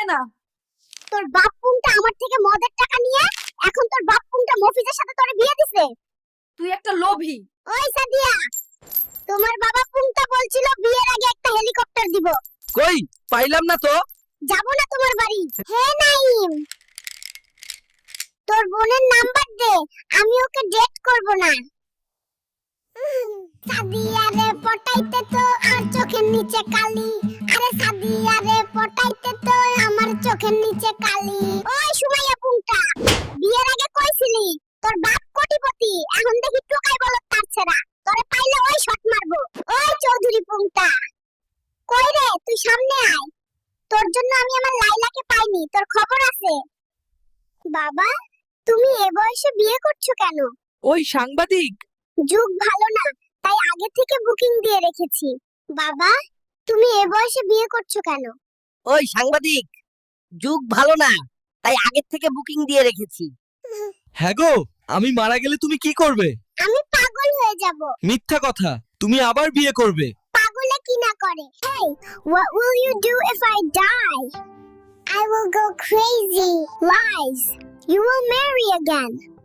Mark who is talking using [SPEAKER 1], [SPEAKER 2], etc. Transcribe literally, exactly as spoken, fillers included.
[SPEAKER 1] না।
[SPEAKER 2] তোর বাপ পুংটা আমার থেকে মদের টাকা নিয়ে এখন তোর বাপ পুংটা মফিজের সাথে তোরে বিয়ে দিছে।
[SPEAKER 1] তুই একটা লোভী।
[SPEAKER 2] ওই সাদিয়া, তোমার বাবা পুংটা বলছিল বিয়ের আগে একটা হেলিকপ্টার দিব।
[SPEAKER 3] কই পাইলাম না তো।
[SPEAKER 2] যাব না তোমার বাড়ি। হে নাইম, তোর বোনের নাম্বার দে, আমি ওকে ডেট করব না। সাদিয়া রে পটাইতে তো আর চোখের নিচে কালি। আরে সাদিয়া রে পটাইতে তো আমার চোখের নিচে কালি। ওই সুমাইয়া পুংটা, বিয়ের আগে কইছিলি তোর বাপ কোটিপতি, এখন দেখি টোকাই বলত তার ছেড়া। তোরে পাইলে ওই শট মারবো। ওই চৌধুরী পুংটা, কই রে তুই সামনে আয়। তোর জন্য আমি আমার লাইলাকে পাইনি, তোর খবর আছে? বাবা, তুমি এ বয়সে বিয়ে করছো কেন?
[SPEAKER 3] ওই সাংবাদিক।
[SPEAKER 2] যুগ ভালো না, তাই আগে থেকে বুকিং দিয়ে রেখেছি। বাবা, তুমি এ বয়সে বিয়ে করছো কেন?
[SPEAKER 4] ওই সাংবাদিক, যুগ ভালো না, তাই আগের থেকে বুকিং দিয়ে রেখেছি।
[SPEAKER 3] হ্যাঁ গো, আমি মারা গেলে তুমি কি করবে?
[SPEAKER 2] আমি পাগল হয়ে যাব।
[SPEAKER 3] মিথ্যা কথা, তুমি আবার বিয়ে করবে।
[SPEAKER 2] পাগলে কি না করে। Hey, what will you do if I die? I will go crazy. Lies. You will marry again.